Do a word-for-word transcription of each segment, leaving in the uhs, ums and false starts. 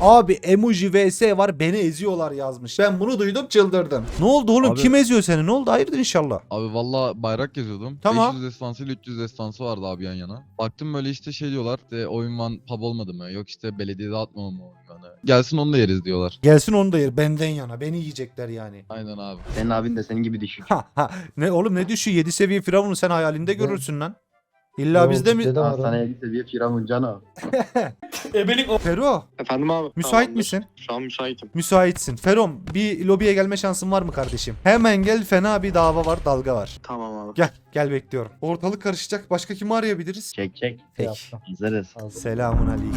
Abi emoji vs var, beni eziyorlar yazmış. Ben bunu duydum, çıldırdım. Ne oldu oğlum? Abi- Kim eziyor seni? Ne oldu? Hayırdır inşallah. Abi valla bayrak yazıyordum. Tamam. beş yüz destansı ile üç yüz destansı vardı abi yan yana. Baktım böyle işte şey diyorlar. İşte oyun van pub olmadı mı? Yok işte belediyede atmama mı oyun vanı? Gelsin onu da yeriz diyorlar. Gelsin onu da yer, benden yana. Beni yiyecekler yani. Aynen abi. Senin abin de senin gibi düşük. Ha ha. Ne oğlum, ne düşüyor? yedi seviye firavunu sen hayalinde Ne? görürsün lan. İlla Yo, bizde mi? bizde de var Hastaneye oğlum. git de bir firavun cano. Fero, Efendim abi. müsait Tamamdır. misin? Şu an müsaitim. Müsaitsin. Ferom, bir lobiye gelme şansın var mı kardeşim? Hemen gel, fena bir dava var, dalga var. Tamam abi. Gel, gel bekliyorum. Ortalık karışacak. Başka kimi arayabiliriz? Çek çek. Peki. Yaptım. Hazırız. Hazır. Selamun aleyküm.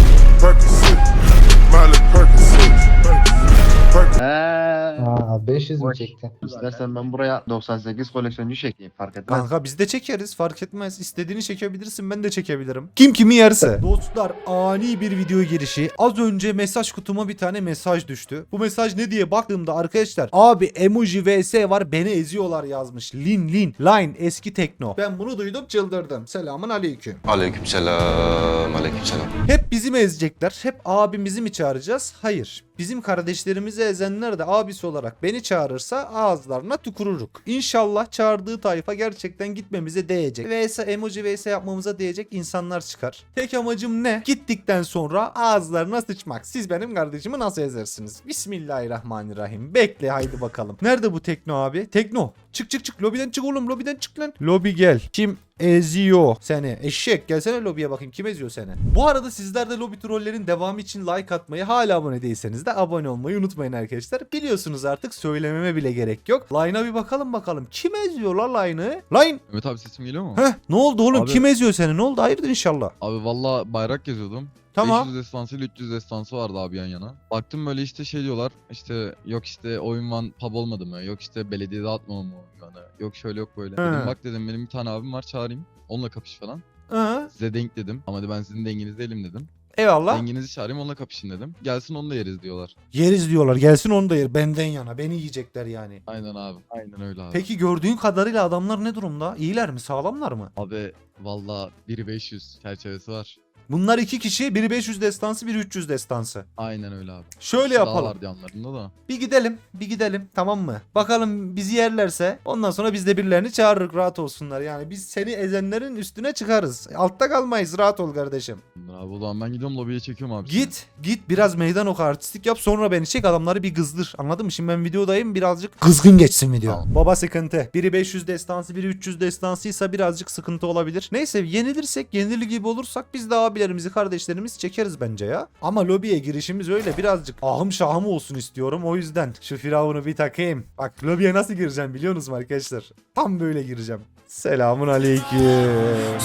Eee. Aa, beş yüz mü Boş. çektin? İstersen ben buraya doksan sekiz koleksiyoncu çekeyim. Fark etmez. Kanka biz de çekeriz, fark etmez. İstediğini çekebilirsin, ben de çekebilirim. Kim kimi yerse. Dostlar, ani bir video girişi. Az önce mesaj kutuma bir tane mesaj düştü. Bu mesaj ne diye baktığımda arkadaşlar, abi emoji vs var, beni eziyorlar yazmış. Lin Lin Line eski tekno. Ben bunu duydum, çıldırdım. Selamun aleyküm. Aleykümselam, aleykümselam. Hep bizi mi ezecekler? Hep abimizi mi çağıracağız? Hayır. Bizim kardeşlerimizi ezenler de abisi olarak beni çağırırsa ağızlarına tükürürük. İnşallah çağırdığı tayfa gerçekten gitmemize değecek. Vs emoji vs yapmamıza değecek insanlar çıkar. Tek amacım ne? Gittikten sonra ağızlarına sıçmak. Siz benim kardeşimi nasıl ezersiniz? Bismillahirrahmanirrahim. Bekle haydi bakalım. Nerede bu Tekno abi? Tekno. Çık çık çık. Lobiden çık oğlum. Lobiden çık lan. Lobi gel. Kim eziyor seni? Eşek. Gelsene lobiye bakayım. Kim eziyor seni? Bu arada sizler de lobi trollerin devamı için like atmayı, hala abone değilseniz de abone olmayı unutmayın arkadaşlar. Biliyorsunuz artık, söylememe bile gerek yok. Line'a bir bakalım bakalım. Kim eziyor la Line'ı? Line. Mehmet abi sesim geliyor mu? Heh, ne oldu oğlum? Abi- Kim eziyor seni? Ne oldu? Hayırdır inşallah. Abi valla bayrak yazıyordum. Tamam. beş yüz destansı ile üç yüz destansı vardı abi yan yana. Baktım böyle işte şey diyorlar. İşte yok işte oyun van pub olmadı mı? Yok işte belediyede atmama mı oyun vanı? Yok şöyle yok böyle. He. Dedim bak dedim benim bir tane abim var çağırayım. Onunla kapış falan. Hı. Size denk dedim. Ama de ben sizin denginiz değilim dedim. Eyvallah. Denginizi çağırayım onunla kapışın dedim. Gelsin onu da yeriz diyorlar. Yeriz diyorlar. Gelsin onu da yer. Benden yana. Beni yiyecekler yani. Aynen abi. Aynen öyle abi. Peki gördüğün kadarıyla adamlar ne durumda? İyiler mi? Sağlamlar mı? Abi valla bir beş yüz çerçevesi var. Bunlar iki kişi. Biri beş yüz destansı, biri üç yüz destansı. Aynen öyle abi. Şöyle Daha yapalım. vardı yanlarında da. Bir gidelim. Bir gidelim. Tamam mı? Bakalım bizi yerlerse ondan sonra biz de birilerini çağırırız. Rahat olsunlar. Yani biz seni ezenlerin üstüne çıkarız. Altta kalmayız. Rahat ol kardeşim. Abi o zaman ben gidiyorum lobiye çekiyorum abi. Git. Git biraz meydan oku, artistik yap. Sonra beni çek, adamları bir kızdır. Anladın mı? Şimdi ben videodayım. Birazcık kızgın geçsin video. Tamam. Baba sıkıntı. Biri beş yüz destansı, biri üç yüz destansıysa birazcık sıkıntı olabilir. Neyse, yenilirsek, yenili gibi olursak biz de abilerimizi, kardeşlerimizi çekeriz bence ya. Ama lobiye girişimiz öyle birazcık ahım şahım olsun istiyorum. O yüzden şu firavunu bir takayım. Bak lobiye nasıl gireceğim biliyor musunuz arkadaşlar? Tam böyle gireceğim. Selamun aleyküm.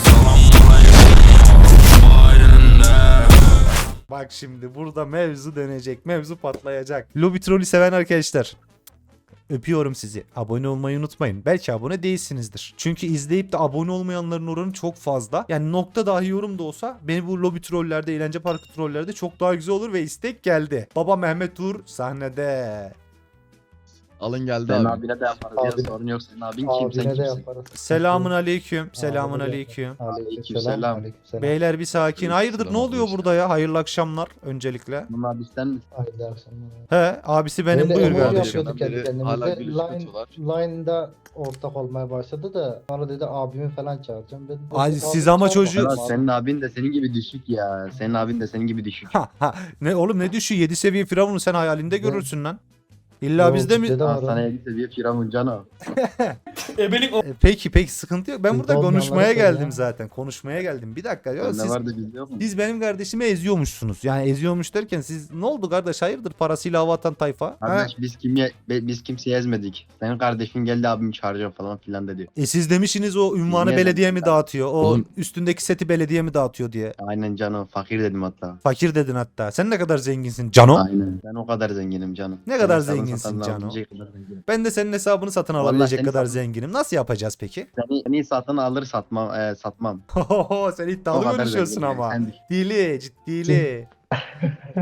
Bak şimdi burada mevzu dönecek. Mevzu patlayacak. Lobby trolü seven arkadaşlar, öpüyorum sizi. Abone olmayı unutmayın. Belki abone değilsinizdir. Çünkü izleyip de abone olmayanların oranı çok fazla. Yani nokta dahi yorum da olsa beni bu lobby trollerde, eğlence parkı trollerde çok daha güzel olur ve istek geldi. Baba Mehmet Uğur sahnede. Alın geldi Senin abi. abine de yaparız ya Abine- sorun yok. Senin abin kim sen Abine de kimsin? yaparız. Selamun aleyküm. Selamun Abine de aleyküm. Aleykümselam. Aleykümselam. Aleykümselam. Beyler bir sakin. Hayırdır, ne Selam oluyor arkadaşlar. burada ya? Hayırlı akşamlar öncelikle. Bunun abi sen misin? Hayırlı akşamlar. He, abisi benim, Böyle buyur emoji kardeşim. yapıyorduk kendi Beri hala kendimize. gülüş Line, atıyorlar. Line'da ortak olmaya başladı da sonra dedi abimi falan çağıracağım. Dedim, Ay, abi siz ama çağırma. çocuğu- Ya Abi, senin abin de senin gibi düşük ya. Senin abin de senin gibi düşük. Ha, ha. Ne oğlum, ne düşüyor? yedi seviye firavunu sen hayalinde Ne? görürsün lan. İlla Yo, bizde mi? bizde de var o. Hastaneye git de bir firavun cano. E, Peki peki, sıkıntı yok. Ben Bizde burada olmayanları konuşmaya söyle geldim ya. zaten. Konuşmaya geldim. Bir dakika ya, Ne siz, vardı bizde yok mu? siz benim kardeşimi eziyormuşsunuz. Yani eziyormuş derken siz ne oldu kardeş? Hayırdır, parasıyla hava atan tayfa? Ha? Kardeş biz kimye be- biz kimseyi ezmedik. Senin kardeşin geldi abimi çağıracağım falan filan dedi. E siz demişsiniz o ünvanı Ne belediye mi dedim? dağıtıyor? O Oğlum- üstündeki seti belediye mi dağıtıyor diye. Aynen Cano. Fakir dedim hatta. Fakir dedin hatta. Sen ne kadar zenginsin Cano? Aynen. Ben o kadar zenginim canım. Ne kadar Senin hesabını zenginsin satan Cano? alabilecek kadar zenginim. Ben de senin hesabını satın Vallahi alabilecek seni kadar satın- zenginim. Nasıl yapacağız peki? Seni, seni satın alır satmam. E, satmam. Hohoho, sen O iddialı kadar konuşuyorsun zenginim. ama. Sen düşün. Dili, ciddili.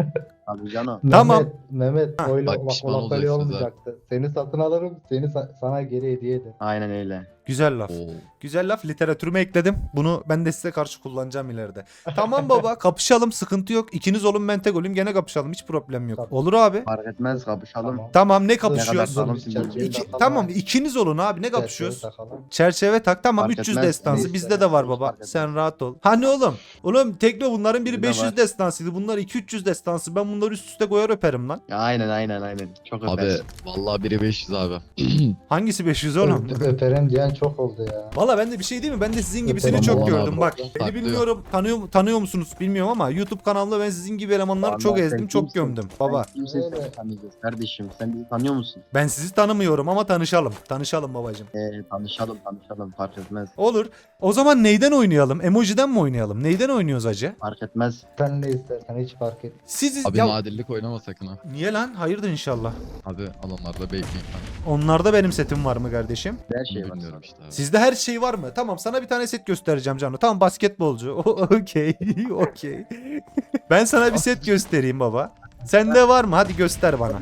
Abi Cano. Tamam. Mehmet, Mehmet Ha. öyle Bak, bak, pişman o laf öyle olacaksınız ha. olmayacaktı. Seni satın alırım, seni sa- sana geri hediye ederim. Aynen öyle. Güzel laf. Oo. Güzel laf. Literatürüme ekledim. Bunu ben de size karşı kullanacağım ileride. Tamam baba, kapışalım, sıkıntı yok. İkiniz olun, ben tek olayım, gene kapışalım, hiç problem yok. Tamam. Olur abi. Fark etmez kapışalım. Tamam. Tamam, ne Ne kadar kapışıyoruz? sağlamsın Dur, bilmiyorum. İki, Takalım. tamam ikiniz olun abi, ne Çerçeve kapışıyoruz? takalım. Çerçeve tak, tamam, Fark üç yüz etmez. destansı Neyse, bizde de var hiç baba. fark etmez. Sen rahat ol. Hani oğlum? Oğlum Tekno bunların biri Bizde beş yüz var. destansıydı. Bunlar iki üç yüz destansı. Ben bunları üst üste koyar öperim lan. Ya aynen aynen aynen. Çok Abi öpersin. vallahi biri beş yüz abi. Hangisi beş yüz oğlum? Öp- Öperim diyen çok oldu ya. Valla ben de bir şey değil mi? Ben de sizin gibisini Öperim çok Aman gördüm. abi. Bak beni Saklıyor. bilmiyorum, tanıyor, tanıyor musunuz bilmiyorum ama YouTube kanalında ben sizin gibi elemanları Vallahi çok sen ezdim, çok kimsin? gömdüm. Baba Sen kimsin Öyle. seni tanıyacağız kardeşim. Sen bizi tanıyor musun? ben sizi tanımıyorum ama tanışalım. Tanışalım babacım. Ee, tanışalım tanışalım fark etmez. Olur. O zaman neyden oynayalım? Emojiden mi oynayalım? Neyden oynuyoruz acı? Fark etmez. Sen ne istersen hiç fark et. Siz Abi ya, nadirlik oynama sakın ha. niye lan? Hayırdır inşallah. Abi alanlarda bekleyin ben. Onlarda benim setim var mı kardeşim? Her şey var. Bilmiyorum işte abi. Sizde her şey var mı? Tamam, sana bir tane set göstereceğim Cano. Tamam, basketbolcu. O- Okey. Okey. Ben sana bir set göstereyim baba. Sende var mı? Hadi göster bana.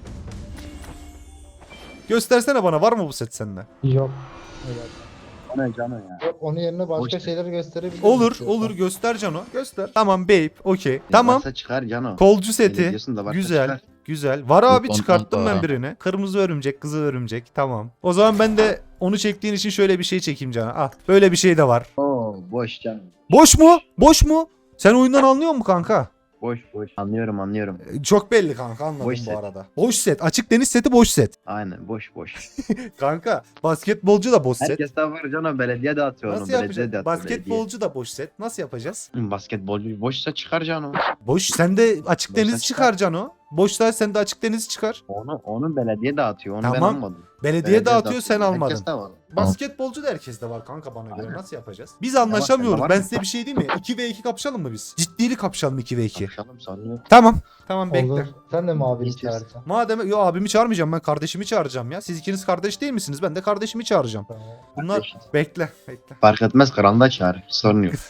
Göstersene bana, var mı bu set sende? Yok. Öyle. O ne Cano ya? Yok, onun yerine başka Boş ver. şeyleri gösterebilirim. Olur, istiyorsan. olur, göster Cano. Göster. Tamam babe, okey. Tamam. Varsa çıkar Cano. Kolcu Öyle seti. diyorsun da varsa Güzel. çıkar. Güzel. Var abi, Yok, çıkarttım ondan ben da- birini. Kırmızı örümcek, kızıl örümcek. Tamam. O zaman ben de onu çektiğin için şöyle bir şey çekeyim Cano. Ah, böyle bir şey de var. Oo boş Cano. Boş mu? Boş mu? Sen oyundan anlıyor musun kanka? Boş boş. Anlıyorum anlıyorum. Ee, Çok belli kanka, anladım Boş bu set. arada. Boş set. Açık deniz seti boş set. Aynen boş boş. Kanka basketbolcu da boş set. Herkes de var Cano. Belediye de atıyor onu. Nasıl Belediye yapacağız? de atıyor. Basketbolcu da boş set. Nasıl yapacağız? belediye. Hı, Basketbolcu boşsa çıkar Cano. Boş. Sen de açık Boşta deniz çıkar. çıkar Cano. Boşta sen de açık deniz çıkar. Onu onu belediye dağıtıyor. Onu ben Tamam. almadım. Belediye dağıtıyor, sen dağıtıyor. almadın. Herkes de var. Basketbolcu da herkeste var kanka bana göre. Aynen. Nasıl yapacağız? Biz anlaşamıyoruz. sende var Ben mı? size bir şey diyeyim mi? iki ve iki kapışalım mı biz? Ciddili kapışalım iki ve iki. Konuşalım sorun yok. Tamam. Tamam bekle. Olur. Sen de mi abini İstiyorsan. çağıracaksın? Madem yo abimi çağırmayacağım, ben kardeşimi çağıracağım ya. Siz ikiniz kardeş değil misiniz? Ben de kardeşimi çağıracağım. Tamam. Bunlar Kardeşiz. bekle bekle. Fark etmez kralında çağır. Sorun yok.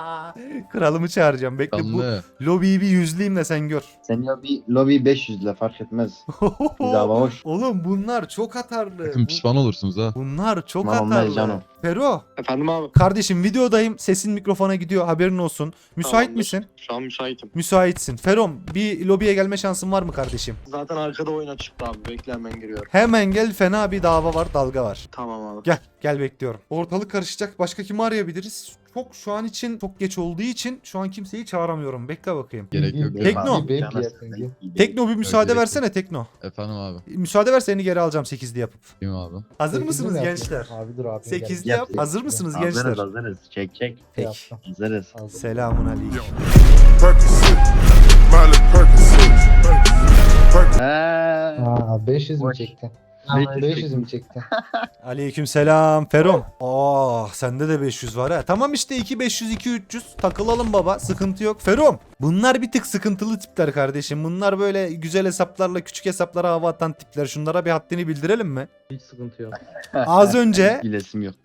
Kralımı çağıracağım. Bekle, bu Canlı. lobiyi bir yüzleyeyim de sen gör. Sen lobi, lobi beş yüz ile fark etmez. Biz hava hoş. Oğlum bunlar çok atarlı. Sakın Bu- pişman olursunuz ha. Bunlar çok Tamam, olmaz atarlı. canım. Fero, Efendim abi. kardeşim videodayım. Sesin mikrofona gidiyor. Haberin olsun. Müsait Tamamdır. misin? Şu an müsaitim. Müsaitsin. Ferom, bir lobiye gelme şansın var mı kardeşim? Zaten arkada oyuna çıktı abi. Bekle hemen giriyorum. Hemen gel, fena bir dava var, dalga var. Tamam abi. Gel, gel bekliyorum. Ortalık karışacak. Başka kimi arayabiliriz? Çok şu an için çok geç olduğu için şu an kimseyi çağıramıyorum. Bekle bakayım. Gerek yok. Bir- Tekno. Bir Canı vape sıkın, yersin. iyi Tekno bir müsaade gerek yok. versene Tekno. Efendim abi. Müsaade ver, seni geri alacağım sekizli yapıp. Kim abi? Hazır Sekizli mısınız mi gençler? yapıyorsun? Abi dur abi. sekizli Yap, yap. yap. Hazır mısınız Hazırız gençler? hazırız. Çek çek. Peki. Yaptım. Hazırız. Hazır. Selamun aleyküm. Percocet, Miley Percocet, Percocet. Eee. Aa, beş yüz mü Boş. çektin? beş yüz beş yüz mü çektin? Aleyküm selam Ferom. Aa, sende de beş yüz var ha. Tamam işte, iki beş yüz iki üç yüz takılalım baba, sıkıntı yok. Ferom, bunlar bir tık sıkıntılı tipler kardeşim. Bunlar böyle güzel hesaplarla küçük hesaplara hava atan tipler. Şunlara bir haddini bildirelim mi? Hiç sıkıntı yok. Az önce Bilesim yok.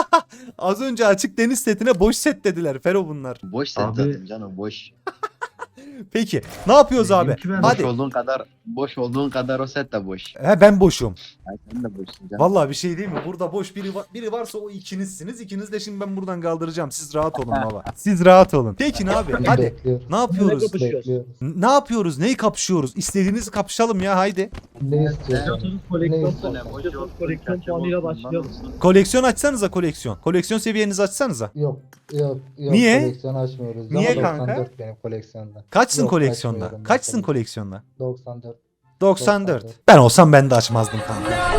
az önce açık deniz setine boş set dediler Fero bunlar. Boş sen Abi- zaten canım boş. Peki ne yapıyoruz abi? Benimki ben- Boş Hadi. olduğun kadar boş olduğun kadar o set de boş. He, ben boşum. Yani sen de boşsun canım. Vallahi bir şey değil mi? Burada boş biri var, biri varsa o ikinizsiniz. İkiniz de şimdi ben buradan kaldıracağım. Siz rahat olun baba. Siz rahat olun. Peki ne abi? Hadi. Bekliyoruz. Ne yapıyoruz? Bekliyoruz. N- Ne yapıyoruz? Neyi kapışıyoruz? İstediğinizi kapışalım ya, haydi. Ne istiyorsun? Ne istiyorsun? Koleksiyon puanıyla başlayalım. Koleksiyon açsanıza, koleksiyon. Koleksiyon seviyenizi açsanıza. Yok yok yok. Niye? Koleksiyon açmıyoruz. Niye Ama kanka? doksan dört benim koleksiyonda. Kaçsın Yok, koleksiyonda? açmıyorum ben Kaçsın koleksiyon. koleksiyonda? doksan dört. doksan dört. doksan dört. Ben olsam ben de açmazdım kanka.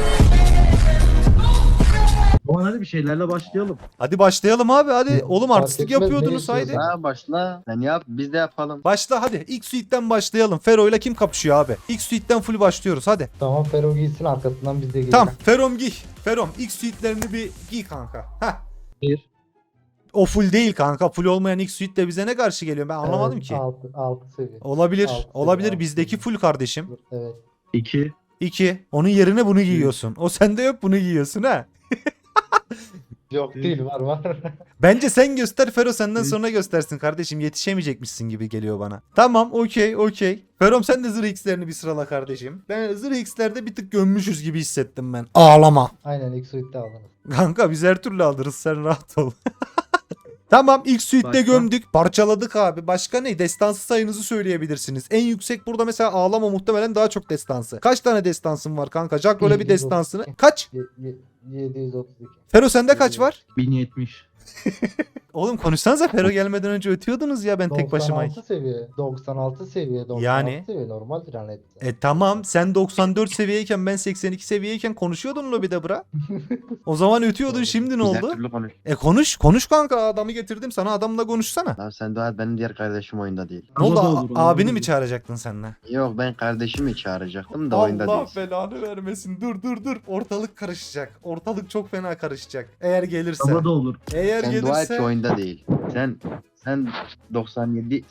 O zaman hadi bir şeylerle başlayalım. Hadi başlayalım abi, hadi. Hı, Oğlum fark artistlik etmez, ne yapıyordunuz, istiyorsan. haydi. Ha başla. Sen yap biz de yapalım. Başla hadi. İlk suite'den başlayalım. Fero ile kim kapışıyor abi? İlk suite'den full başlıyoruz hadi. Tamam Fero giysin, arkasından biz de giyelim. Tamam Ferom giy. Ferom ilk suite'lerini bir giy kanka. Heh. Bir. O full değil kanka. Full olmayan ilk suite de bize ne karşı geliyor? Ben anlamadım ki. altı, altı seviye. Olabilir. Altı, Olabilir. altı. Bizdeki full kardeşim. Evet. İki. İki. Onun yerine bunu giyiyorsun. O sende yok, bunu giyiyorsun ha. Yok değil var var. Bence sen göster, Fero senden sonra göstersin kardeşim. Yetişemeyecekmişsin gibi geliyor bana. Tamam, okey okey. Ferom sen de zırh X'lerini bir sırala kardeşim. Ben zırh X'lerde bir tık gömmüşüz gibi hissettim ben. Ağlama. Aynen ilk suite'de aldınız. Kanka biz her türlü alırız, sen rahat ol. Tamam, ilk suite'de Başka? gömdük. Parçaladık abi. Başka ne? Destansı sayınızı söyleyebilirsiniz. En yüksek burada mesela ağlama muhtemelen daha çok destansı. Kaç tane destansın var kanka? Jackroll'e bir yedi yüz otuz destansını. iki. Kaç? Ye- ye- yedi yüz otuz iki. Fero sende kaç var? bin yetmiş. Oğlum konuşsanıza, Fero gelmeden önce ötüyordunuz ya, ben tek başıma. doksan altı seviye. doksan altı seviye. doksan altı Yani? seviye normaldir hani. E tamam, sen doksan dört seviyeyken ben seksen iki seviyeyken konuşuyordun lobide bra. O zaman ötüyordun, şimdi ne Biz her oldu? türlü konuş. E konuş, konuş kanka, adamı getirdim sana, adamla konuşsana. Lan sen dua et, benim diğer kardeşim oyunda değil. Ne oldu, Ama da a- olur, abini olur. mi çağıracaktın senle? Yok, ben kardeşimi çağıracaktım da oyunda Allah değil. belanı vermesin, dur dur dur, ortalık karışacak, ortalık çok fena karışacak. Eğer gelirse, Ama da olur. eğer Sen dua et ki gelirse. oyunda değil. Sen sen doksan yedi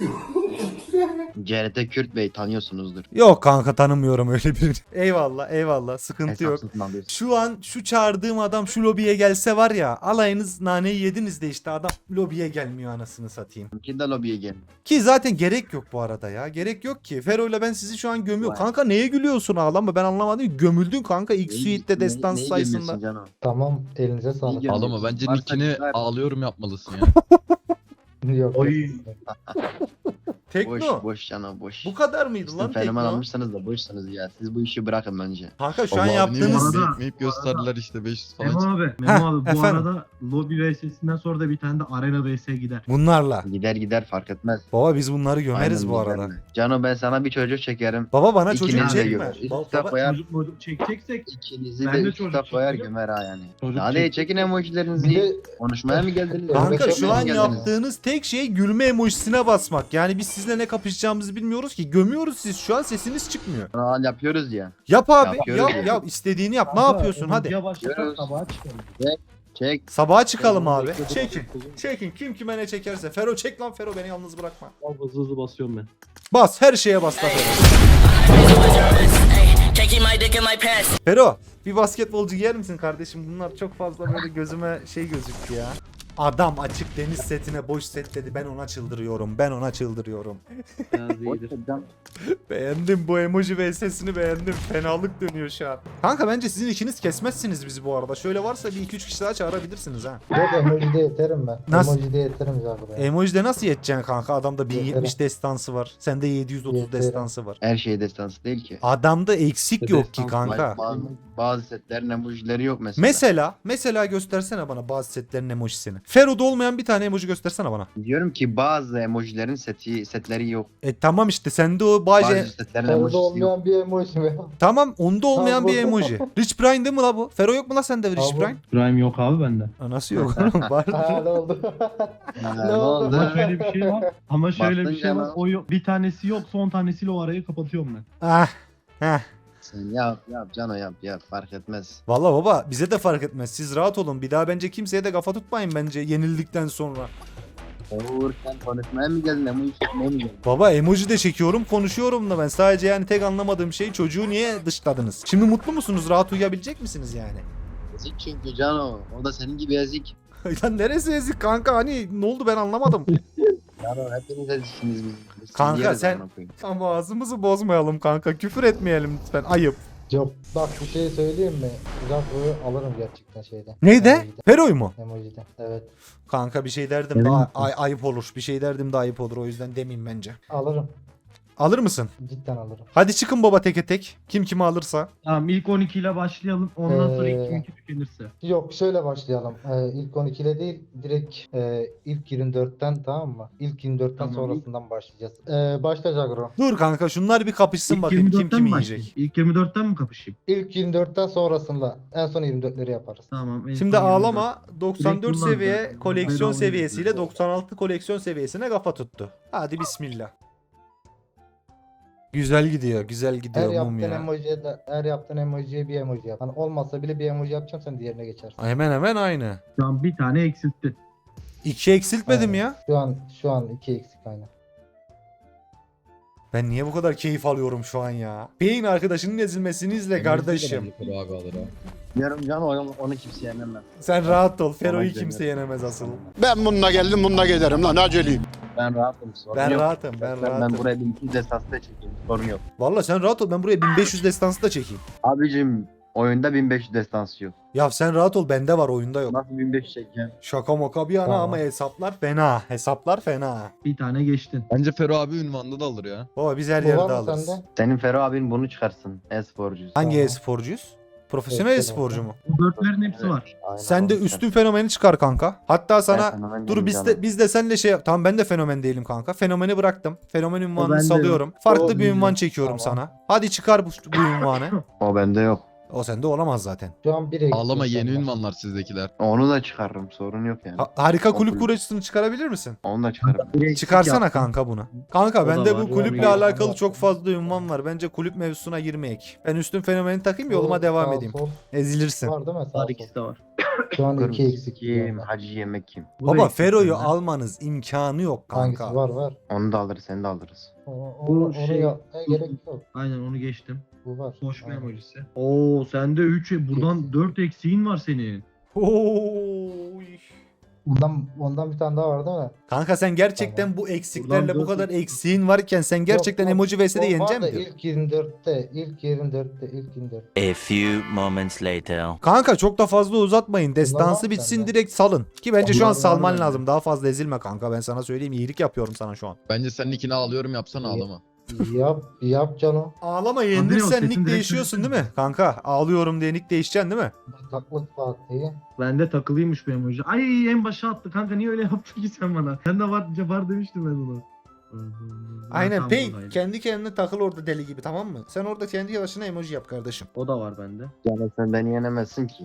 C R T Kürt Bey tanıyorsunuzdur. Yok kanka, tanımıyorum öyle birini. Eyvallah eyvallah, sıkıntı yok. Hesapsız alıyorsun. Şu an şu çağırdığım adam şu lobiye gelse var ya, alayınız naneyi yediniz de işte adam lobiye gelmiyor, anasını satayım. Ki de lobiye gel. Ki zaten gerek yok bu arada ya. Gerek yok ki. Fero'yla ben sizi şu an gömüyorum. Vay. Kanka neye gülüyorsun, ağlama, ben anlamadım. Gömüldün kanka ilk Neyi- suite'de neyi- destans neyi sayısında. gömüyorsun canım? Tamam elinize sağlık. İyi Ağlama, bence Varsa nickini güzel. ağlıyorum yapmalısın ya. Yok. Oy. yok. Tekno. Boş boş canım boş. Bu kadar mıydı Sizin lan fenomen Tekno? almışsanız da boşsanız ya. Siz bu işi bırakın bence. Kanka şu an Allah abi, niye yaptığınız... bana Arada- ekmeyip gösterdiler işte beş yüz falan. Memo abi. Heh, Memo abi bu efendim. arada lobby V S'sinden sonra da bir tane de arena V S gider. Bunlarla. Gider gider fark etmez. Baba biz bunları gömeriz Aynen bu gider arada. mi? Cano, ben sana bir çocuk çekerim. Baba bana İkiniz çocuk de çekme. gömer. Ba- Üste baba- koyar. Çocuk mocuk çekeceksek İkinizi Ben de de üstte çocuk koyar çekeceğim. gömer ha yani. Çocuk Hadi çek- çekin Bir emojilerinizi. de Konuşmaya mı geldiniz? Kanka Yemek şu yemeye an mi geldiniz? yaptığınız tek şey gülme emojisine basmak. Yani biz sizle ne kapışacağımızı bilmiyoruz ki. Gömüyoruz, siz şu an sesiniz çıkmıyor. Aa, yapıyoruz ya. Yap abi. Yapıyoruz Yap ya. yap, istediğini yap. Ne Kanka, yapıyorsun hadi. emojiye başlasak Görüyoruz. sabaha çıkalım. Çek. Sabaha çıkalım Ben abi. bekledim, Çekin. bekledim. Çekin. Kim kime ne çekerse. Fero çek lan, Fero beni yalnız bırakma. Al, hızlı hızlı basıyorum ben. Bas, her şeye bas da Fero. Taking my dick in my pants. Fero bir basketbolcu giyer misin kardeşim? Bunlar çok fazla böyle gözüme şey gözüktü ya. Adam açık deniz setine boş set dedi. Ben ona çıldırıyorum. Ben ona çıldırıyorum. Biraz Boş iyidir. ver can. Beğendim bu emoji ve sesini beğendim. Fenalık dönüyor şu an. Kanka bence sizin ikiniz kesmezsiniz bizi bu arada. Şöyle varsa bir iki üç kişi daha çağırabilirsiniz ha. yok emojide yeterim ben. Nasıl? Emojide yeterim zaten. Emojide nasıl yeteceksin kanka? Adamda bin yetmiş Yeterim. destansı var. Sende yedi yüz otuz Yeterim. destansı var. Her şey destansı değil ki. Adamda eksik Bir yok ki destans kanka. Bazı, bazı setlerin emojileri yok mesela. Mesela, mesela göstersene bana bazı setlerin emojisini. Fero'da olmayan bir tane emoji göstersene bana. Diyorum ki bazı emojilerin seti, setleri yok. E tamam işte sende o baje... Bazı setlerin Orada emojisi yok. olmayan bir emoji mi? Tamam, onda olmayan Tamam. bir emoji. Rich Brian değil mi la bu? Fero yok mu la sende Rich Tamam. Brian? Prime yok abi bende. Aa, nasıl yok oğlum? Var. Ha ne oldu? Ha, Ne ne oldu? oldu? Ama şöyle bir şey var. Ama şöyle Bastın bir şey var. canım. O yok. Bir tanesi yok. Son tanesiyle o arayı kapatıyorum ben. Ah. Heh. Sen yap yap Cano yap yap fark etmez. Valla baba bize de fark etmez. Siz rahat olun. Bir daha bence kimseye de kafa tutmayın bence yenildikten sonra. Uğur sen konuşmaya mı geldin emoji çekmeye mi geldin? Baba emoji de çekiyorum, konuşuyorum da ben. Sadece yani tek anlamadığım şey, çocuğu niye dışladınız? Şimdi mutlu musunuz? Rahat uyuyabilecek misiniz yani? Ezik çünkü Cano. O da senin gibi ezik. Ya neresi ezik kanka? Hani ne oldu ben anlamadım. Cano hepiniz eziksiniz biz. Biz Kanka, yeriz sen- amına koyayım. Ama ağzımızı bozmayalım kanka. Küfür etmeyelim lütfen. Ayıp. Yok bak bir şey söyleyeyim mi? Uzaklığı alırım gerçekten şeyden. Neyde? Emojiden. Fero'yu mu? Emojiden. Evet. Kanka bir şey derdim de ay- ay- ayıp olur. Bir şey derdim de ayıp olur. O yüzden demeyeyim bence. Alırım. Alır mısın? Cidden alırım. Hadi çıkın baba teke tek. Kim kimi alırsa. Tamam ilk on iki ile başlayalım. Ondan sonra Ee, ilk on iki tükenirse. Yok şöyle başlayalım. Ee, ilk on iki ile değil direkt e, ilk yirmi dörtten tamam mı? İlk yirmi dörtten Tamam. sonrasından başlayacağız. Ee, başla Jagro. Dur kanka şunlar bir kapışsın İlk bakayım kim yirmi dörtten kimi mi yiyecek. başlayayım? İlk yirmi dörtten mi kapışayım? İlk yirmi dörtten sonrasında en son yirmi dörtleri yaparız. Tamam. en Şimdi son yirmi dört. ağlama doksan dört Direkt bunlar seviye zaten. koleksiyon Bedava seviyesiyle yapıyor. doksan altı koleksiyon seviyesine kafa tuttu. Hadi bismillah. Güzel gidiyor, güzel Her gidiyor mum yaptığın ya. emojiye de, her yaptığın emojiye bir emoji yap. Hani olmazsa bile bir emoji yapacağım sen diğerine geçersin. Hemen hemen aynı. Şu an bir tane eksiltti. İki eksiltmedim Aynen. ya. Şu an şu an iki eksik aynen. Ben niye bu kadar keyif alıyorum şu an ya? Beyin arkadaşının ezilmesini izle kardeşim. Abi alır ha. Diyorum canım onu, onu kimse yenemez. Sen rahat ol. Fero'yu Kolay kimse gelsin. yenemez asıl. Ben bununla geldim bununla giderim lan aceleyim. Ben rahatım sorun Ben yok. rahatım. Ben Ben, rahatım. ben buraya bin iki yüz esaslı da çekeyim sorun yok. Valla sen rahat ol. Ben buraya bin beş yüz destansı da çekeyim. Abicim oyunda bin beş yüz destansı yok. Ya sen rahat ol. Bende var, oyunda yok. Nasıl bin beş yüz çekeceğim? Şaka moka bir yana Tamam. ama hesaplar fena. Hesaplar fena. Bir tane geçtin. Bence Fero abi ünvanında da alır ya. Baba biz her Bu yerde var mı alırız. sende? Senin Fero abin bunu çıkarsın. E-sporcuyuz. Hangi Tamam. e-sporcuyuz? Profesyonel Evet, e-sporcu tamam. mu? Bu dörtlerin hepsi Evet. var. Aynen, Sen de onu üstün fenomeni çıkar kanka. Hatta sana Ben fenomen dur değilim biz canım. de biz de senle şey yap. Tamam ben de fenomen değilim kanka. Fenomeni bıraktım. Fenomen ünvanını bende salıyorum. Farklı O bir güzel. ünvan çekiyorum Tamam. sana. Hadi çıkar bu, bu ünvanı. O bende yok. O sende olamaz zaten. Şu an bir eksik. Ağlama yeni sende. ünvanlar sizdekiler. Onu da çıkarırım sorun yok yani. Ha- harika kulüp Kulüp. kurucusunu çıkarabilir misin? Onu da çıkarırım. Bir eksik Çıkarsana yaptım. kanka bunu. Kanka O da bende var. bu kulüple Yani- alakalı çok fazla ünvan var. Bence kulüp mevzusuna girmeyek. Ben üstün fenomeni takayım yoluma Bu devam sağ edeyim. sol Ezilirsin. Var değil mi? Sağ Var sol. ikisi de var. Şu an iki Kırmızı eksik. kim? yani. Hacı yemek kim? Bu da Baba eksik Fero'yu bende. almanız imkanı yok kanka. Hangisi var var. Onu da alırız seni de alırız. O- o- Bu onu şey- yapmaya gerek yok. Aynen onu geçtim. Bu var. Koşma Aynen. emojisi. Oo sende üç buradan dört eksiğin var senin. Oy. Ondan, ondan bir tane daha var değil mi? Kanka sen gerçekten Tamam. bu eksiklerle Buradan bu dört kadar eksik. eksiğin varken sen gerçekten Yok, yok. emoji vs'de O var yenecek da misin? İlk yirmi dörtte, ilk yirmi dörtte, ilk yirmi dörtte. A few moments later. Kanka çok da fazla uzatmayın. Destansı var bitsin sende. direkt salın. Ki bence şu an Bunlar var salman bende. lazım. Daha fazla ezilme kanka. Ben sana söyleyeyim. İyilik yapıyorum sana şu an. Bence senin ikini ağlıyorum yapsana İyi. ağlama. Yap, yap canım. Ağlama yok, yenilirsen sesin nick direkt değişiyorsun değil söylesene. mi? Kanka ağlıyorum diye nick değişeceksin değil mi? Taklık Fatih'i. Bende takılıymış bu emoji. Ay en başa attı kanka niye öyle yaptın ki sen bana? Sen de var, var demiştim ben ona. Aynen Tam Pay buradaydı. kendi kendine takıl orada deli gibi tamam mı? Sen orada kendi başına emoji yap kardeşim. O da var bende. Yani sen beni yenemezsin ki.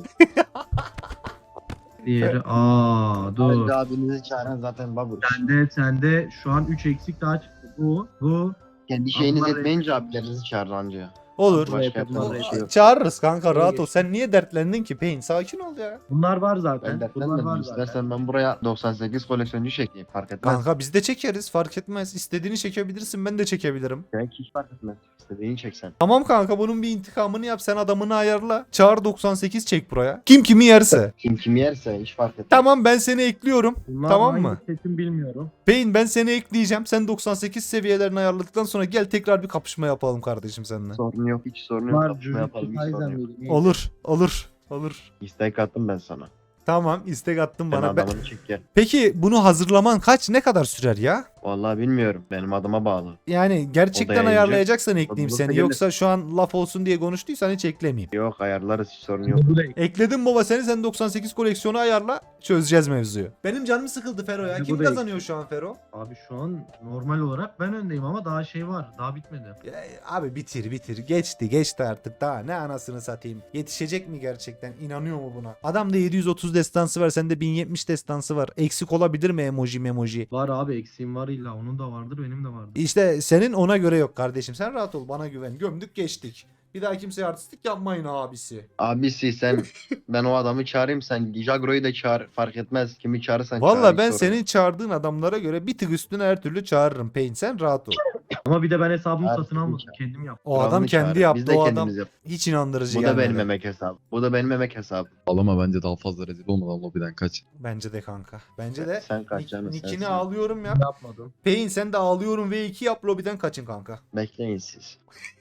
Diğeri aa dur. Hacı abinizi çağıran zaten babur. Sende sende şu an üç eksik daha çıktı. Bu bu. Kendi şeyiniz Allah etmeyince abilerinizi çağırır anca. Olur. Başka yapalım, yapacak oraya bir şey yok. Çağırırız kanka Oraya rahat ol. geç. Sen niye dertlendin ki Pain? Sakin ol ya. Bunlar var Ben zaten. Bunlar dertlenmedim. var zaten. İstersen ben buraya doksan sekiz koleksiyoncu çekeyim. Fark etmez. Kanka biz de çekeriz fark etmez. İstediğini çekebilirsin ben de çekebilirim. Belki hiç fark etmez. İstediğini çeksen. Tamam kanka bunun bir intikamını yap sen adamını ayarla. Çağır doksan sekiz çek buraya. Kim kimi yerse. Kim kimi yerse hiç fark etmez. Tamam ben seni ekliyorum. Bunlar Tamam hangi mı? setim bilmiyorum. Pain ben seni ekleyeceğim. Sen doksan sekiz seviyelerini ayarladıktan sonra gel tekrar bir kapışma yapalım kardeşim seninle. Sorun yok. Hiç sorun yok. Var Kapışma yapalım. Jujutsu Hiç sorun Kaisen yok. miydi? Neydi? Olur olur olur. İstek attım ben sana. Tamam istek attın Sen bana. Ben- adamını çek gel. Peki bunu hazırlaman kaç ne kadar sürer ya? Vallahi bilmiyorum. Benim adıma bağlı. Yani gerçekten yayıncı. ayarlayacaksan ekleyeyim Bulursa seni. gelir. Yoksa şu an laf olsun diye konuştuysan hiç eklemeyeyim. Yok ayarlarız hiç sorun yok. Bu da Ekledim baba seni sen doksan sekiz koleksiyonu ayarla çözeceğiz mevzuyu. Benim canım sıkıldı Fero ya. Bu Kim da kazanıyor şu an Fero? Abi şu an normal olarak ben öndeyim ama daha şey var. Daha bitmedi. Ya, abi bitir bitir. Geçti geçti artık daha ne anasını satayım. Yetişecek mi gerçekten? İnanıyor mu buna? Adamda yedi yüz otuz destansı var. Sende bin yetmiş destansı var. Eksik olabilir mi emoji memoji? Var abi eksiğim var illa. Onun da vardır benim de vardır. İşte senin ona göre yok kardeşim. Sen rahat ol bana güven. Gömdük geçtik. Bir daha kimseye artistlik yapmayın abisi. Abisi sen ben o adamı çağırayım sen Jagro'yu da çağır fark etmez kimi çağırırsan çağır. Valla hiç ben sorun senin yok. çağırdığın adamlara göre bir tık üstüne her türlü çağırırım. Pain sen rahat ol. Ama bir de ben hesabımı Abi, satın almadım. çağır. Kendim yaptım. O adam Kralını kendi çağır. yaptı. Biz de O adam kendimiz yap. hiç inandırıcı Bu da gelmedi. benim emek hesabı. Bu da benim emek hesabı. Ağlama bence daha fazla rezil olmadan lobiden kaç. Bence de kanka. Bence de Sen kaç Nick- canım Nick'ini sensin. ağlıyorum yap. Yapmadım. Pain sen de ağlıyorum V iki yap lobiden kaçın kanka. Bekleyin siz.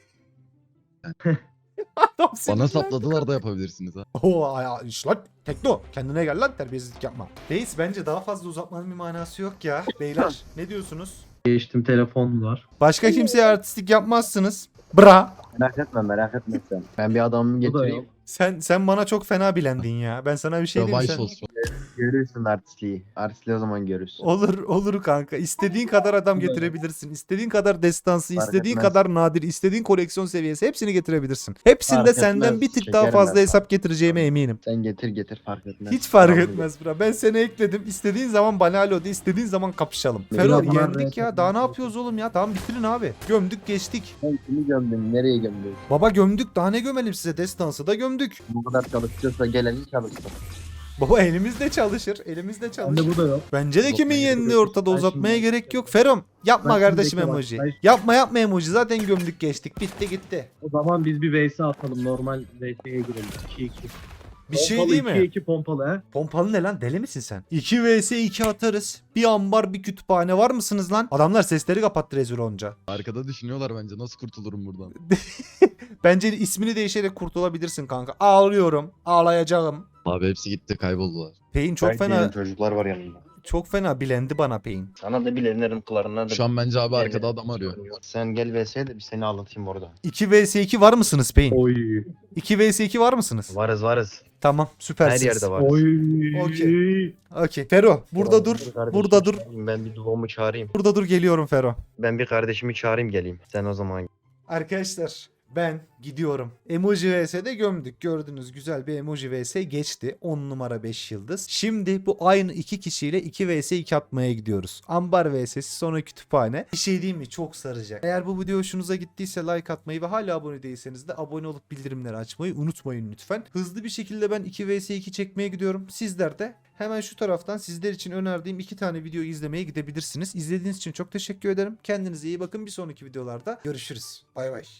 Adam Bana sinirlendi. sapladılar da yapabilirsiniz ha. Oo ay, ay, iş lan. Tekno. Kendine gel lan terbiyesizlik yapma. Reis bence daha fazla uzatmanın bir manası yok ya. Beyler ne diyorsunuz? Geçtim telefonlar. Başka kimseye artistlik yapmazsınız. Bra. Merak etme merak etme sen. Ben bir adamımı Bu da getireyim. yok. Sen sen bana çok fena bilendin ya. Ben sana bir şey diyeyim mi? Yavaş Sen... olsun. Görürsün artistliği. Artistliği o zaman görürsün. Olur olur kanka. İstediğin kadar adam getirebilirsin. İstediğin kadar destansı, Fark istediğin etmez. kadar nadir, istediğin koleksiyon seviyesi hepsini getirebilirsin. Hepsinde Fark senden etmez. bir tık Çekerim daha ben fazla sana. hesap getireceğime eminim. Sen getir getir fark etmez. Hiç fark Tamam, etmez bura. Ben seni ekledim. İstediğin zaman bana alo de, istediğin zaman kapışalım. Ne Fero yapalım? yendik ya. Daha ne yapıyoruz oğlum ya? Tamam bitirin abi. Gömdük geçtik. Sen kimi gömdün? Nereye gömdün? Baba gömdük. Daha ne gömelim size? Destansı da gömdük. Bu kadar çalışıyorsa gelenin çalışsın. Baba elimizde çalışır. Elimizde çalışır. Bende bu da yok. Bence de kimin Uzatmaya yendiği gerek yok. ortada Ben uzatmaya şimdi- gerek yok. Ferom yapma Ben şimdi kardeşim bekle bak. emoji. Ben- Yapma yapma emoji. Zaten gömdük geçtik. Bitti gitti. O zaman biz bir V S atalım. Normal V S'ye girelim. iki iki. Bir şey Pompalı değil mi? ikiye iki pompalı he. Pompalı ne lan? Deli misin sen? iki vs iki atarız. Bir ambar bir kütüphane var mısınız lan? Adamlar sesleri kapattı rezil olunca. Arkada düşünüyorlar bence nasıl kurtulurum buradan. Bence ismini değişerek kurtulabilirsin kanka. Ağlıyorum. Ağlayacağım. Abi hepsi gitti kayboldular. Pain çok Belki fena benim çocuklar var yanımda. çok fena bilendi bana Pain. Sana da bilenirim kılarına da. Şu an bence abi Evet. arkada adam arıyor. Sen gel V S'ye de bir seni anlatayım orada. iki vs iki var mısınız Pain? Oy. iki vs iki var mısınız? Varız varız. Tamam süpersiniz. Her yerde varız. Oy. Okey. Okey. Fero burada dur. Bir kardeşimi Burada dur. çağırayım, Ben bir duomu çağırayım. Burada dur geliyorum Fero. Ben bir kardeşimi çağırayım geleyim. Sen o zaman. Arkadaşlar ben gidiyorum. Emoji vs'de gömdük. Gördünüz güzel bir emoji vs geçti. on numara beş yıldız. Şimdi bu aynı iki kişiyle iki vs iki atmaya gidiyoruz. Ambar vs'si sonra kütüphane. Bir şey diyeyim mi? Çok saracak. Eğer bu video hoşunuza gittiyse like atmayı ve hala abone değilseniz de abone olup bildirimleri açmayı unutmayın lütfen. Hızlı bir şekilde ben iki vs iki çekmeye gidiyorum. Sizler de hemen şu taraftan sizler için önerdiğim iki tane video izlemeye gidebilirsiniz. İzlediğiniz için çok teşekkür ederim. Kendinize iyi bakın. Bir sonraki videolarda görüşürüz. Bay bay.